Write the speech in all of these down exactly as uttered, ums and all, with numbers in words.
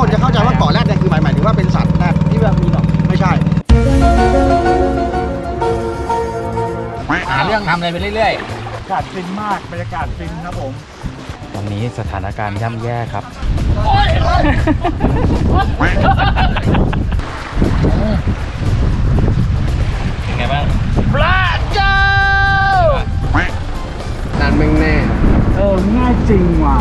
คนจะเข้าใจว่าเกาะแรดเนี่ยคือหมายหมายถึงว่าเป็นสัตว์แรดที่แบบมีหนอนไม่ใช่หาเรื่องทำอะไรไปเรื่อยๆอากาศฟินมากบรรยากาศฟินครับผมตอนนี้สถานการณ์ย่ำแย่ครับเป็นไงบ้างพระเจ้านั่นมึงแน่เออง่ายจริงว่ะ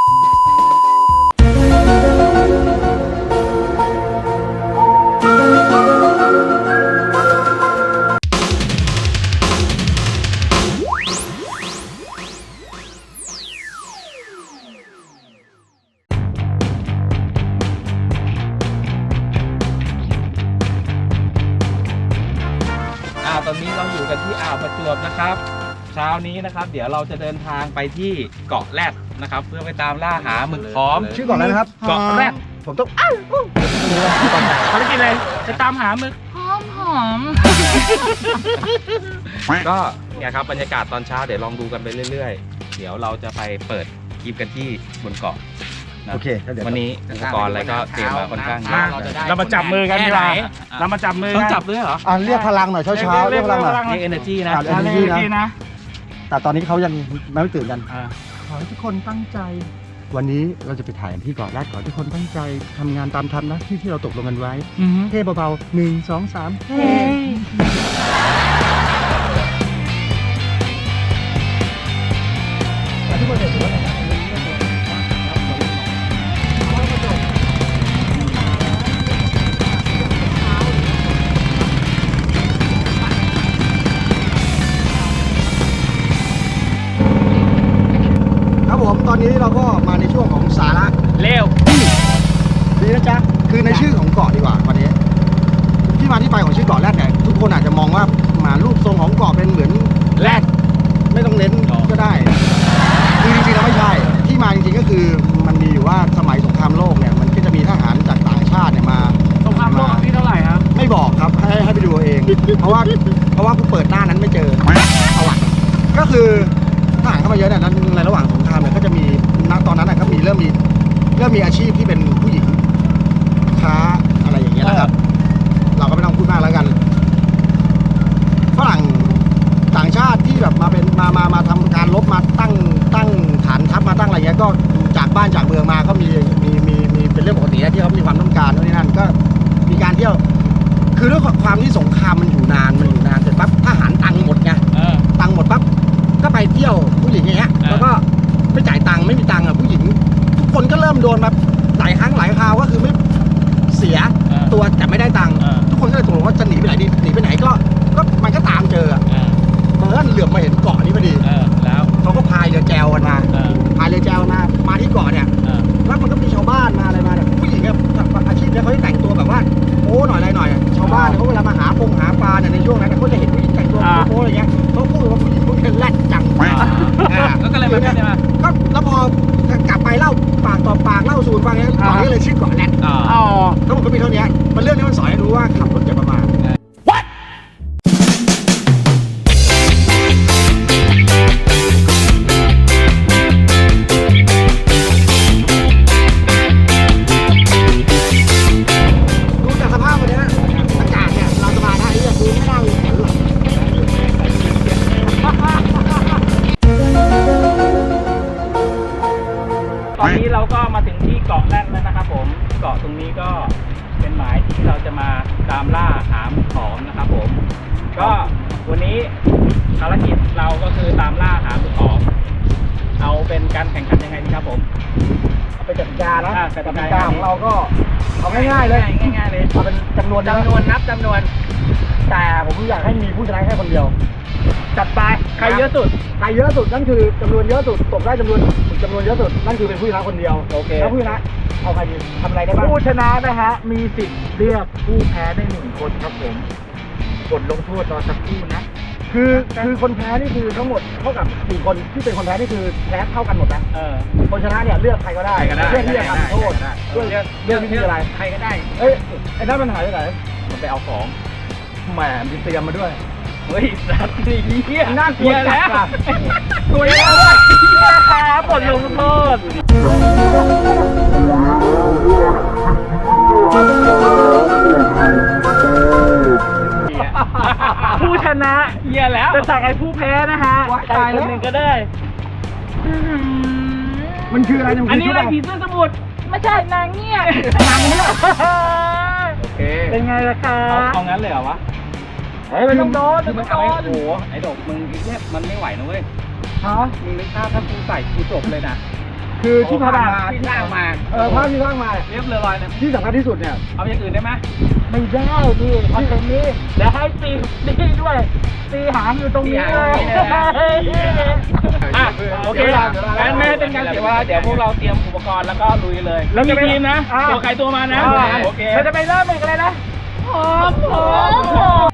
ตอนนี้เราอยู่กันที่อ่าวประจวบนะครับเช้านี้นะครับเดี๋ยวเราจะเดินทางไปที่เกาะแรดนะครับเพื่อไปตามล่าหาหมึกพร้อมชื่อเกาะอะไรนะครับเกาะแรดผมต้องอ้าวภารกิจอะไรจะตามหาหมึกหอมหอมก็เนี่ยครับบรรยากาศตอนเช้าเดี๋ยวลองดูกันไปเรื่อยๆเดี๋ยวเราจะไปเปิดคลิปกันที่บนเกาะโอเควันนี้อุปกรณ์อะไรก็เตรียมมาค่อนข้างเยอะเรามาจับมือกันดีกว่าเรามาจับมือต้องจับด้วยเหรออ่าเรียกพลังหน่อยเช้าเช้าเรียกพลังหน่อยเรียก energy นะเรียก energy นะแต่ตอนนี้เขายังไม่ตื่นกันขอให้ทุกคนตั้งใจวันนี้เราจะไปถ่ายที่เกาะแรดขอทุกคนตั้งใจทำงานตามทันนะที่ที่เราตกลงกันไว้เท่เบาๆหนึ่งสองสามเฮ้ทุกคนเห็นว่าตอนนี้เราก็มาในช่วงของสาระเร็วดีนะจ๊ะคือในชื่อของเกาะดีกว่าวันนี้ที่มาที่ไปของชื่อเกาะแรดเนี่ยทุกคนอาจจะมองว่ามารูปทรงของเกาะเป็นเหมือนแรดไม่ต้องเน้นก็ได้คือจริงๆแล้วไม่ใช่ที่มาจริงๆก็คือมันมีอยู่ว่าสมัยสงครามโลกเนี่ยมันก็จะมีทหารจากต่างชาติเนี่ยมาสงครามโลกที่เท่าไหร่ครับไม่บอกครับให้ให้ไปดูเองเพราะว่าเพราะว่ากูเปิดหน้านั้นไม่เจอประวัติก็คือทหารเข้ามาเยอะเนี่ยในระหว่างสงครามเนี่ยก็จะมีณตอนนั้นก็มีเริ่มมีเริ่มมีอาชีพที่เป็นผู้หญิงค้าอะไรอย่างเงี้ยนะครับเราก็ไม่ต้องพูดมากแล้วกันฝรั่งต่างชาติที่แบบมาเป็นมามามาทำการรบมาตั้งตั้งฐานทัพมาตั้งอะไรเงี้ยก็จากบ้านจากเมืองมาก็มีมีมีมีเป็นเรื่องปกติที่เขามีความต้องการโน่นนี่นั่นก็มีการเที่ยวคือด้วยความที่สงครามมันอยู่นานมันอยู่นานเสร็จปั๊บทหารตังค์หมดไงตังค์หมดปั๊บก็ไปเที่ยวผู้หญิงอย่างเงี้ยแล้วก็ไม่จ่ายตังค์ไม่มีตังค์อ่ะผู้หญิงทุกคนก็เริ่มโดนมาหลายครั้งหลายคราวก็คือไม่เสียตัวแต่ไม่ได้ตังค์ทุกคนก็เลยตกลงว่าจะหนีไปไหนดีหนีไปไหนก็ก็มันก็ตามเจอเมื่อเหลือบมาเห็นเกาะนี้พอดีแล้วเขาก็พายเรือแจวกันมาพายเรือแจวมามาที่เกาะเนี่ยแล้วมันก็มีชาวบ้านมาอะไรมาเนี่ยผู้หญิงเนี่ยอาชีพเนี่ยเขาจะแต่งตัวแบบว่าโอ้หน่อยอะไรหน่อยชาวบ้านเขาเวลามาหาปงหาปลาเนี่ยในช่วงนั้นเขาจะเห็นผู้หญิงแต่งตัวโป๊อะไรเงี้ยเขาพูดว่าผู้หญิงพวกนี้แรดจังก็เลยมาเนี่ยก็แล้วพอกลับไปเล่าปากต่อปากเล่าสู่ฟังเนี่ยเกาะนี้เลยชื่อเกาะแรดอ๋อทั้งหมดก็มีเท่านี้มันเรื่องนี้มันสอนให้รู้ว่าขับรถอย่าประมาทดูจากสภาพวันนี้อากาศเนี่ยเราสบายนะไอ้เนี่ยดูไม่น่ามีแข็งหรอกตอนนี้เราก็มาถึงที่เกาะแรดแล้วนะครับผมเกาะตรงนี้ก็เป็นหมายที่เราจะมาตามล่าหาหมึกหอมนะครับผมก็วันนี้ภารกิจเราก็คือตามล่าหาหมึกหอมเอาเป็นการแข่งขันยังไงดีครับผมเอาเป็นกติกานะกติกาของเราก็เอาง่ายๆเลยง่ายๆเลยเอาเป็นจำนวนจำนวนนับจำนวนแต่ผมอยากให้มีผู้ชนะแค่คนเดียวจัดไปใครเยอะสุดใครเยอะสุดนั่นคือจำนวนเยอะสุดตกได้จำนวนจำนวนเยอะสุดนั่นคือเป็นผู้ชนะคนเดียวโอเคแล้วผู้ชนะเอาใครดีทำอะไรได้บ้างผู้ชนะนะฮะมีสิทธิ์เลือกผู้แพ้ได้หนึ่งคนครับผมกดลงโทษรอสักครู่นะคือคือคนแพ้นี่คือทั้งหมดเท่ากับสี่คนที่เป็นคนแพ้นี่คือแพ้เท่ากันหมดนะคนชนะเนี่ยเลือกใครก็ได้เลือกที่จะทำโทษเลือกเลือกที่อะไรใครก็ได้เอ้ยไอ้นั่นมันหายไปไหนมันไปเอาของแหมมีเตรียมมาด้วยเฮ้ยสัตว์ดีเหี้ยน่ากลัวแล้วตัวเยอะเลยเหี้ยครับกดลงโทษสั่งไอ้ผู้แพ้นะฮะว้ายใครตายคแล้วนหนึ่งก็ได้อื้อหือมันคืออะไรเนี่ยมัอันนนี้คืออะไรชุดผีเสื้อสมุทรไม่ใช่นางเงี้ยนางเนี่ยโอเคเป็นไงล่ะคะเอาเอางั้นเลยเหรอวะเฮ้ยมันต้องโดนคือมัมัน นต้เอาองไอ้โดโอ้นโหไอ้ดอกมึงไอ้เนี่ยมันไม่ไหวนะเว้ยฮะมึงนึกภาพถ้ากูใส่กูจบเลยนะคือที่ผ่านมาที่สร้างมาเออภาพที่สร้างมาเรียบเลยนะที่สำคัญที่สุดเนี่ยเอาอย่างอื่นได้ไหมไม่ได้ดิคอนเทนต์นี้เดี๋ยวให้ตีนี่ด้วยตีหางอยู่ตรงนี้เลยอ่ะโอเคงั้นไม่ให้เป็นการเสียเวลาเดี๋ยวพวกเราเตรียมอุปกรณ์แล้วก็ลุยเลยแล้วมีทีมนะตัวใครตัวมานะโอเคเราจะไปเริ่มอีกอะไรนะพร้อมพร้อม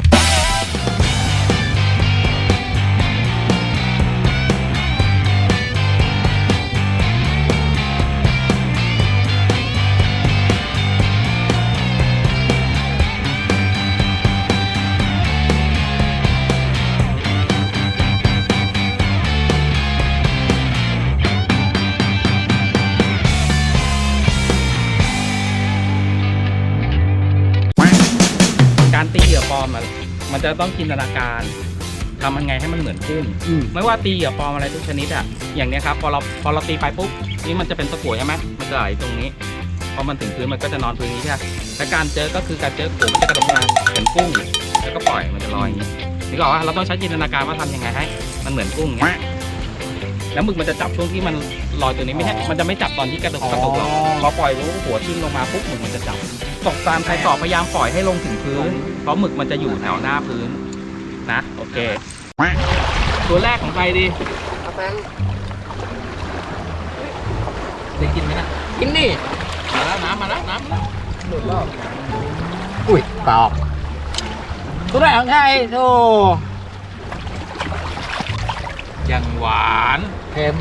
การตีเหยื่อปลอมอะมันจะต้องจินตนาการทำยังไงให้มันเหมือนกุ้งอืมไม่ว่าตีเหยื่อปลอมอะไรทุกชนิดอะอย่างเนี้ยครับพอเราพอเราตีไปปุ๊บนี่มันจะเป็นตะกั่วใช่ไหมมันจะไหลตรงนี้พอมันถึงพื้นมันก็จะนอนพื้นนี้ใช่ไหมแต่การเจอก็คือการเจอกุ้งมันจะกระโดดมาเหมือนกุ้งแล้วก็ปล่อยมันจะลอยอย่างนี้นี่ก็ว่าเราต้องใช้จินตนาการว่าทำยังไงให้ มันเหมือนกุ้งอย่างเงี้ยแล้วหมึกมันจะจับช่วงที่มันลอยตัวนี้ไม่ใช่มันจะไม่จับตอนที่กระโดดกระโดดหรอกพอปล่อยรู้หัวทิ้งลงมาปุ๊บหมึกมันจะจับตกตามใครต่อพยายามปล่อยให้ลงถึงพื้นเพราะหมึกมันจะอยู่แถวหน้าพื้นนะโอเคตัวแรกของใครดีได้กินไหมนะกินดิมาแล้วน้ำมาแล้วน้ำมาแล้วอุ้ยตอบตัวไหนของใครโธ่ยังหวานเค็ม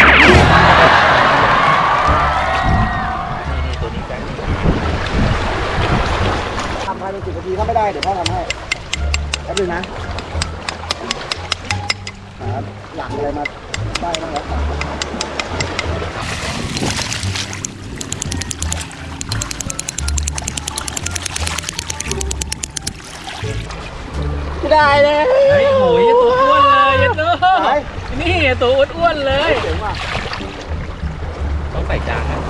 นี่ตัวนี้แบงค์ทำภายในสิบนาทีถ้าไม่ได้เดี๋ยวพ่อทำให้แป๊บนึงนะหาหลังอะไรมาได้บ้างครับไม่ได้เลยเฮ้ยโหยตัวอ้วนเลยยันโตไหนนี่ตัวอ้วนๆเลยเจ๋งว่ะต้องใส่จานนะ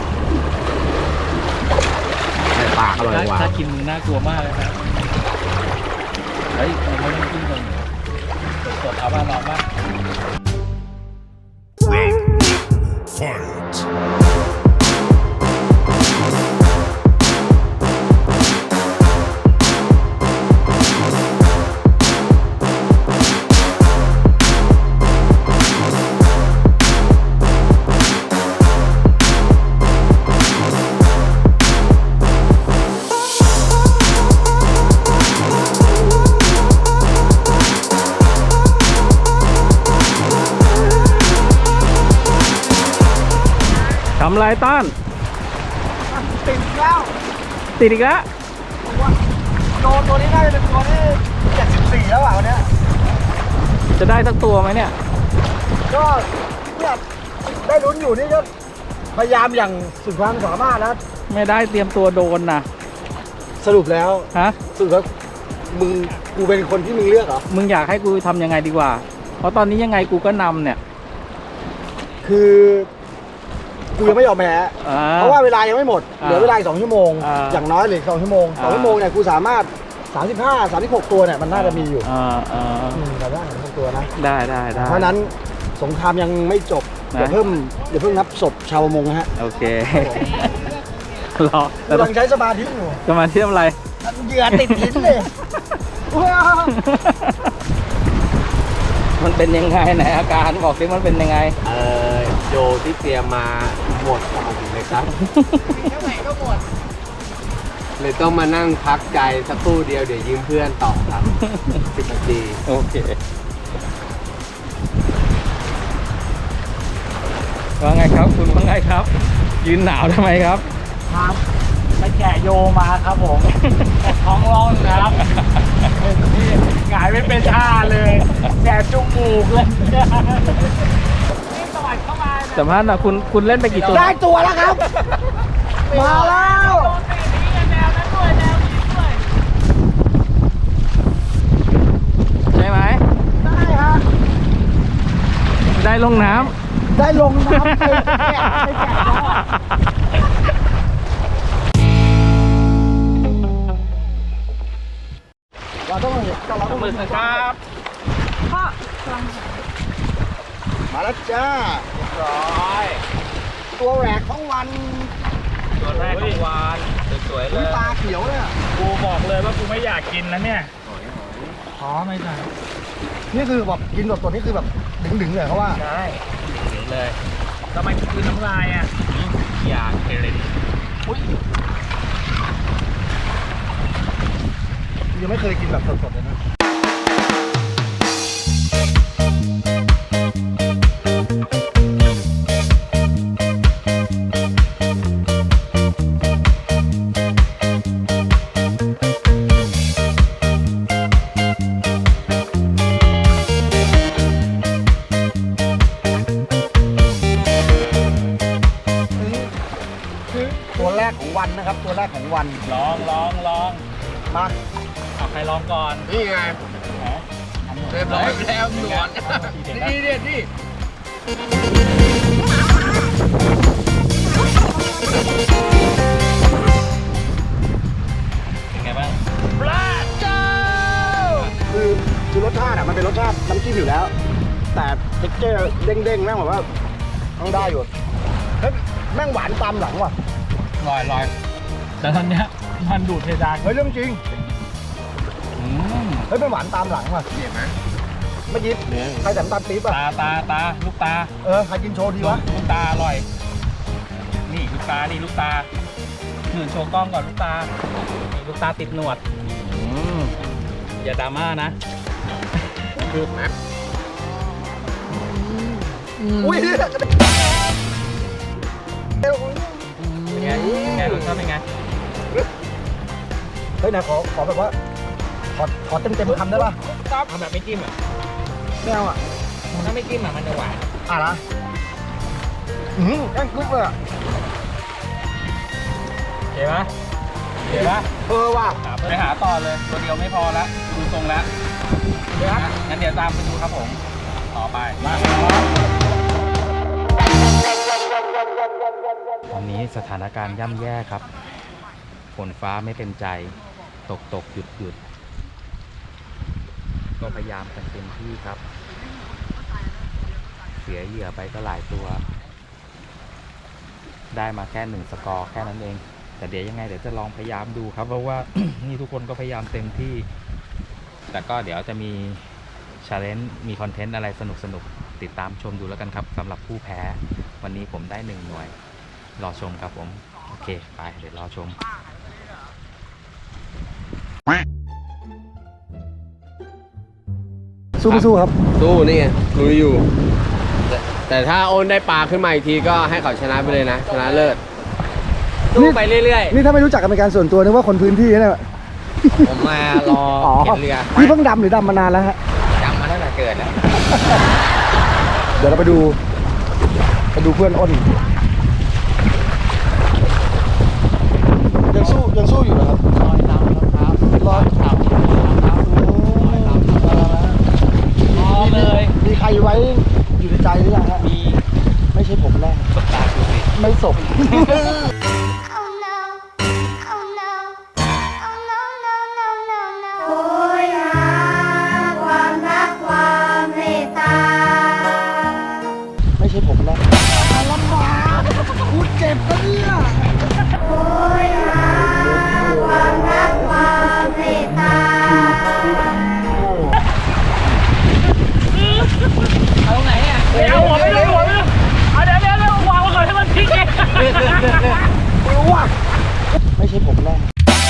ในปากอร่อยกว่าถ้ากินน่ากลัวมากเลยครับเฮ้ยเราไม่ต้องกินเลยสดๆเอาบ้านเราบ้าง ทำไรต้านติดแล้วติดอีกแล้วโดนตัวนี้น่าจะเป็นตัวที่เจ็ดสิบสี่แล้วอ่ะวันเนี้ยจะได้สักตัวไหมเนี่ยก็เนี่ยได้ลุ้นอยู่นี่ก็พยายามอย่างสุดความสามารถแล้วไม่ได้เตรียมตัวโดนนะสรุปแล้วฮะสรุปแล้วมึงกูเป็นคนที่มึงเลือกเหรอมึงอยากให้กูทำยังไงดีกว่า เพราะตอนนี้ยังไงกูก็นำเนี่ยคือกูยังไม่ยอมแพ้อ่เพราะว่าเวลายังไม่หมดอ่าเหลือเวลาอีกสองชั่วโมงอ่าอย่างน้อยเหลืออกสองชั่วโมงสองอ่าชั่วโมงเนี่ยกูสามารถสามสิบห้า สามสิบหกตัวเนี่ยมันน่าจะมีอยู่อ่าอ่าอืมแต่ว่าสามสิบหกตัวนะได้ได้ได้เพราะฉะนั้นสงครามยังไม่จบนะอย่าเพิ่มอย่าเพิ่งนับศพชาวประมงนะฮะโอเค รอกูกำลังใช้สมาธิอยู่จะมาเทียมอะไรเหยื่อติดหินเลยมันเป็นยังไงไหนอาการบอกสิมันเป็นยังไงเออโยที่เตรียมมาหมดกล่องเลยครับเท่าไหร่ก็หมดเลยต้องมานั่งพักใจสักครู่เดียวเดี๋ยวยืมเพื่อนต่อครับ สิบนาทีโอเคว่าไงครับคุณว่าไงครับ ยืนหนาวทำไมครับครับไปแกะโยมาครับผมท้องร้องนะครับหงายไม่เป็นท่าเลยแสบจมูกเลยนี่สวัสดีเข้ามาสัมภาษณ์หนะคุณคุณเล่นไปกี่ตัวได้ตัวแล้วครับ มาแล้วโดนตีนี้กันแนวนั้นด้วยแนวนี้ด้วยใช่ไหมได้ฮะงน้ได้ลงน้ำไปแกะไปแกะแล้วเราต้องเห็นเราต้องำมือครับมาแล้วจ้าร้อยตัวแหวกของวันตัวแรกของวานสวยๆเลอุ้ยยตาเขียวเลยอะกูบอกเลยว่ากูไม่อยากกินนะเนี่ยขอไม่ใช่นี่คือแบบกินแบบตัวนี้คือแบบดึงๆเลยเขาว่าใช่ถึงเลยทำไมคือน้ำลายอ่ะอยากเทเลนอุ้ยยังไม่เคยกินแบบสดๆเลยนะตัวแรกของวันนะครับ ตัวแรกของวันลองลองลองมาเอาใครลองก่อนนี่ไงแหมเรียบร้อยแล้วหนวดนี่นี่นี่เป็นไงบ้างคือคือรสชาติอ่ะมันเป็นรสชาติน้ำจิ้มอยู่แล้ว แต่เท็กเจอร์เด้งๆแม่งแบบว่าต้องได้อยู่เฮ้ยแม่งหวานตามหลังว่ะลอยลอยแต่ตอนเนี้ยมันดูดเพดานเฮ้ยเรื่องจริงอืมเฮ้ยเป็นหวานตามหลังว่ะเห็นไหมเมื่อกี้ใครแต่น้ำตาลปี๊บอ่ะตาตาตาลูกตาเออใครกินโชว์ดีวะลูกตาอร่อย นี่ลูกตานี่ลูกตาหนึ่งโชว์กล้องก่อนลูกตานี่ลูกตาติดหนวดอืมอย่าดราม่านะดูไหมอุ้ยเป็นไงเป็นไงรสชาติเป็นไงเฮ้ยนะขอขอแบบว่าขอขอเต็มเต็มๆคำได้ป่ะเอาแบบไม่จิ้มอ่ะไม่เอาอ่ะถ้าไม่จิ้มอ่ะมันจะหวานอ่ะนะอืมแกงกรุ๊บเลยอ่ะโอเคปะโอเคปะเออว่ะไปหาต่อเลยตัวเดียวไม่พอแล้วดูทรงแล้วเดี๋ยวนะงั้นเดี๋ยวตามไปดูครับผม ต่อไปมาตอนนี้สถานการณ์ย่ำแย่ครับ ฝนฟ้าไม่เป็นใจ ตกตกหยุดหยุดก็พยายามกันเต็มที่ครับ เสียเหยื่อไปก็หลายตัว ได้มาแค่หนึ่งสกอร์แค่นั้นเอง แต่เดี๋ยวยังไงเดี๋ยวจะลองพยายามดูครับ เพราะว่า นี่ทุกคนก็พยายามเต็มที่ แต่ก็เดี๋ยวจะมีชาเลนจ์มีคอนเทนต์อะไรสนุกสนุกติดตามชมดูแล้วกันครับสำหรับผู้แพ้ วันนี้ผมได้หนึ่งหน่วย รอชมครับผม โอเค ไปเดี๋ยวรอชมสู้ไม่สู้ครับสู้นี่ไงลุยอยู่ แต่แต่ถ้าโอนได้ปลาขึ้นมาอีกทีก็ให้เขาชนะไปเลยนะ ชนะเลิศสู้ไปเรื่อยนี่ถ้าไม่รู้จักกันเป็นการส่วนตัวนึกว่าคนพื้นที่เนี่ยๆ ผมมารอเก็บเรือพี่เพิ่งดำหรือดำมานานแล้วฮะจำมาตั้งแต่เกิดแล้วเดี๋ยวเราไปดูไปดูเพื่อนอ้นยังสู้ยังสู้อยู่เหรอครับลอยตามครับลอยครับรอเลยมีใครไว้อยู่ในใจหรือยังฮะมีไม่ใช่ผมแน่สบตาดูสิไม่ศพ Oh no, oh no, oh no, no, no, no, no. โอยหาความรักความเมตตาไม่ใช่ผมแน่ลำบากกูเจ็บนะเนี่ยโอยหาความรักความเมตตาเอาไหนอ่ะเอาหัวไม่ได้หัวไม่ได้เอาเดี๋ยวเดี๋ยวเดี๋ยววางไว้ก่อนให้มันพลิกเองไม่รู้ว่ะไม่ใช่ผมแน่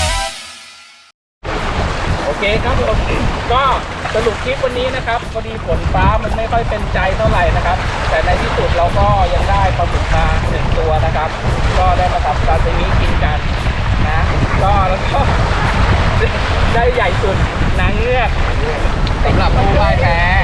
โอเคครับผมก็สรุปคลิปวันนี้นะครับพอดีฝนฟ้ามันไม่ค่อยเป็นใจเท่าไหร่นะครับ แต่ในที่สุดเราก็ยังได้ปลาหมึกมาหนึ่งตัวนะครับ ก็ได้มาทำซาซิมิกินกันนะก็แล้วก็ ได้ใหญ่สุดนางเงือกสำหรับผู้พ่ายแพ้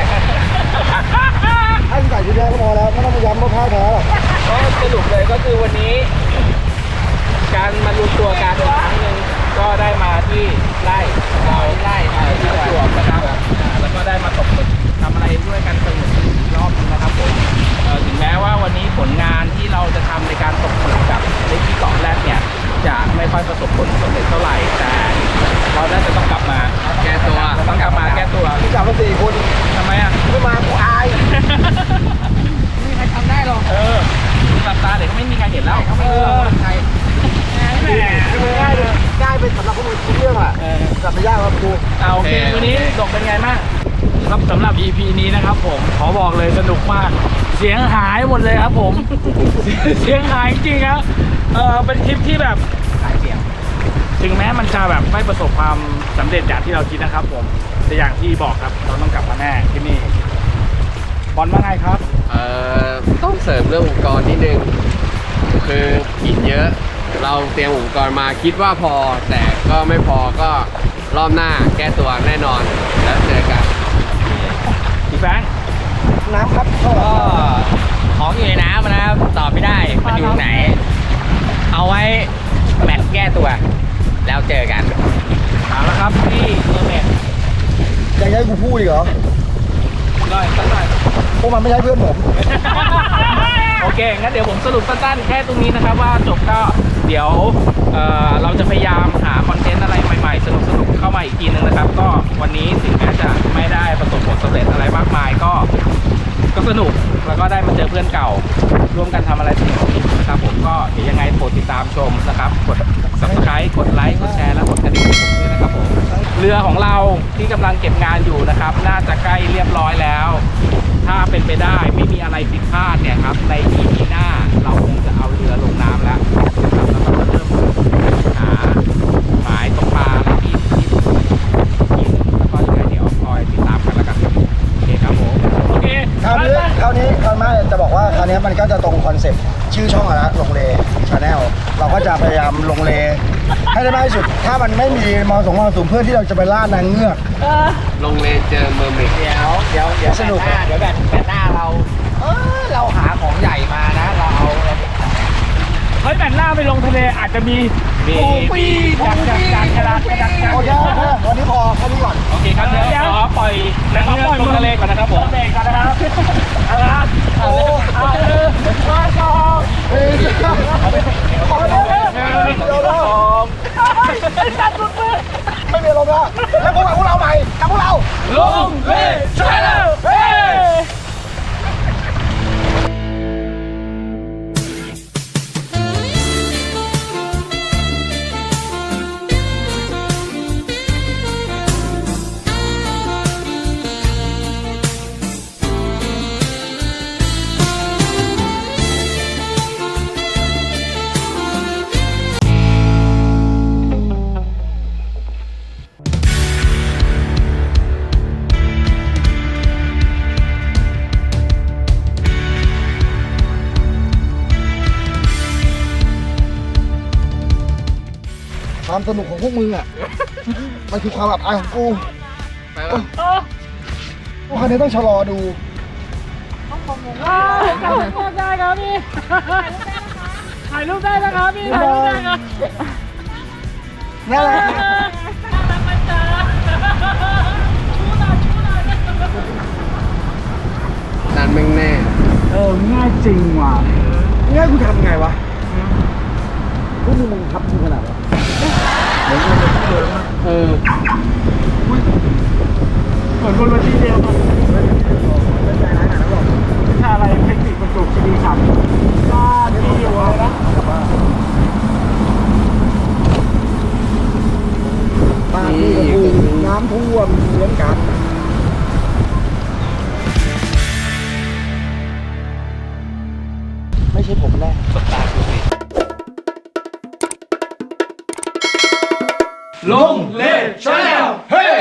ให้ใส่ชุดแรกก็พอแล้วไม่ต้องมาย้ำว่าพ่ายแพ้หรอกก็สรุปเลยก็คือวันนี้ การมารวมตัวกันอีกครั้งหนึ่งก็ได้มาที่ไร่เราไร่เอ่อที่ประจวบนะครับอ่าแล้วก็ได้มาตกหมึกทำอะไรด้วยกันสนุกอีกรอบนึงนะครับผมว่าวันนี้ผลงานที่เราจะทำในการตกหมึกกับในที่เกาะแรกเนี่ยจะไม่ค่อยประสบผลสำเร็จเท่าไหร่แต่เราน่าจะต้องกลับมาแก้ตัวเราต้องกลับมาแก้ตัวพี่กลับมาสี่คนทำไมอ่ะไม่มากูอายไม่มีใครทำได้หรอกเออหลับตาเดี๋ยวก็ไม่มีใครเห็นแล้วเขาไม่เลือกใครง่ายเลยง่ายเป็นสำหรับพวกมึงทุกเรื่องอ่ะเออแต่ไม่ยากครับกูเอาโอเควันนี้ตกเป็นไงบ้างครับสำหรับ อี พี นี้นะครับผมขอบอกเลยสนุกมาก เสียงหายหมดเลยครับผม เสียงหายจริงๆครับเออเป็นคลิปที่แบบสายเสียงถึงแม้มันจะแบบไม่ประสบความสำเร็จอย่างที่เราคิดนะครับผมแต่อย่างที่บอกครับเราต้องกลับมาแน่ที่นี่บอลว่าไงครับเอ่อต้องเสริมเรื่องอุปกรณ์นิดนึง คือหินเยอะ เราเตรียมอุปกรณ์มาคิดว่าพอ แต่ก็ไม่พอก็รอบหน้าแก้ตัวแน่นอนแล้วเจอกันพี่แบงค์น้ำครับเข้าก็ของอยู่ในน้ำนะครับตอบไม่ได้มันอยู่ไหน เอาไว้แมตช์แก้ตัว แล้วเจอกันมาแล้วครับที่เมอร์เมดยังให้กูพูดอีกเหรอหน่อยสักหน่อยพวกมันไม่ใช่เพื่อนผมโอเค งั้นเดี๋ยวผมสรุปสั้นๆแค่ตรงนี้นะครับว่าจบก็เดี๋ยวเอ่อเราจะพยายามหาคอนเทนต์อะไรใหม่ๆ สนุกๆ เข้ามาอีกทีนึงนะครับ ก็วันนี้ถึงแม้จะไม่ได้ประสบผลสำเร็จอะไรมากมายก็ก็สนุกแล้วก็ได้มาเจอเพื่อนเก่า ร่วมกันทำอะไรสนุกๆนะครับผมก็เดี๋ยวยังไงโปรดติดตามชมนะครับ กด ซับสไครบ์ กดไลค์กดแชร์และกดกระดิ่งให้ผมด้วยนะครับผมเรือของเราที่กำลังเก็บงานอยู่นะครับ น่าจะใกล้เรียบร้อยแล้ว ถ้าเป็นไปได้ไม่มีอะไรผิดพลาดเนี่ยครับใน อี พี หน้าเราคงจะเอาเรือลงน้ำแล้วนะครับแล้วก็จะเริ่มหาหมายตกปลาอะไรที่ที่ที่แล้วก็ยังไงเดี๋ยวคอยติดตามกันแล้วกันโอเคครับผมโอเคคราวนี้คราวนี้คราวหน้าจะบอกว่าคราวนี้มันก็จะตรงคอนเซ็ปต์ชื่อช่องอะนะลงเลชาแนลเราก็จะพยายามลงเลให้ได้มากที่สุด ถ้ามันไม่มีมอสงมอสูงเพื่อที่เราจะไปล่านางเงือกลงเลนเจอเมอร์เมดเดี๋ยวเดี๋ยวเดี๋ยวสนุกแบตหน้าเดี๋ยวแบตแบตหน้าเรา เออเราหาของใหญ่มานะ เราเอาอะไรเฮ้ยแบนหน้าไปลงทะเลอาจจะมีมีปีจักจักจักกระดาษกระดาษโอเคโอเควันนี้พอแค่นี้ก่อนโอเคครับเดี๋ยวขอปล่อยนักเรือลงทะเลก่อนนะครับผมเบรกก่อนนะครับเอาละครับโอ้เอาเลยมาต่อเฮ้ยขอเลยเดี๋ยวเราไม่มีลมแล้วแล้วพวกเราพวกเราใหม่กับพวกเราลงเลชาแนลเฮ้ความสนุกของพวกมึงอ่ะ มันคือความอับอายของกูไปป่ะพวกคันนี้ต้องชะลอดูได้ครับพี่ถ่ายรูปได้นะครับพี่ถ่ายรูปได้ครับนั่นแหละนั่นแม่งแน่เออง่ายจริงว่ะนี่ให้กูทำไงวะพวกมึงมึงทับกูขนาดวะเออเหมือนบนเวทีเดียวกันวิชาอะไรเทคนิคประจุคีรีขันธ์บ้านที่อยู่อะไรนะบ้านที่กระทูน้ำท่วมเหมือนกัน ไม่ใช่ผมแน่ลงเลชาแนลเฮ้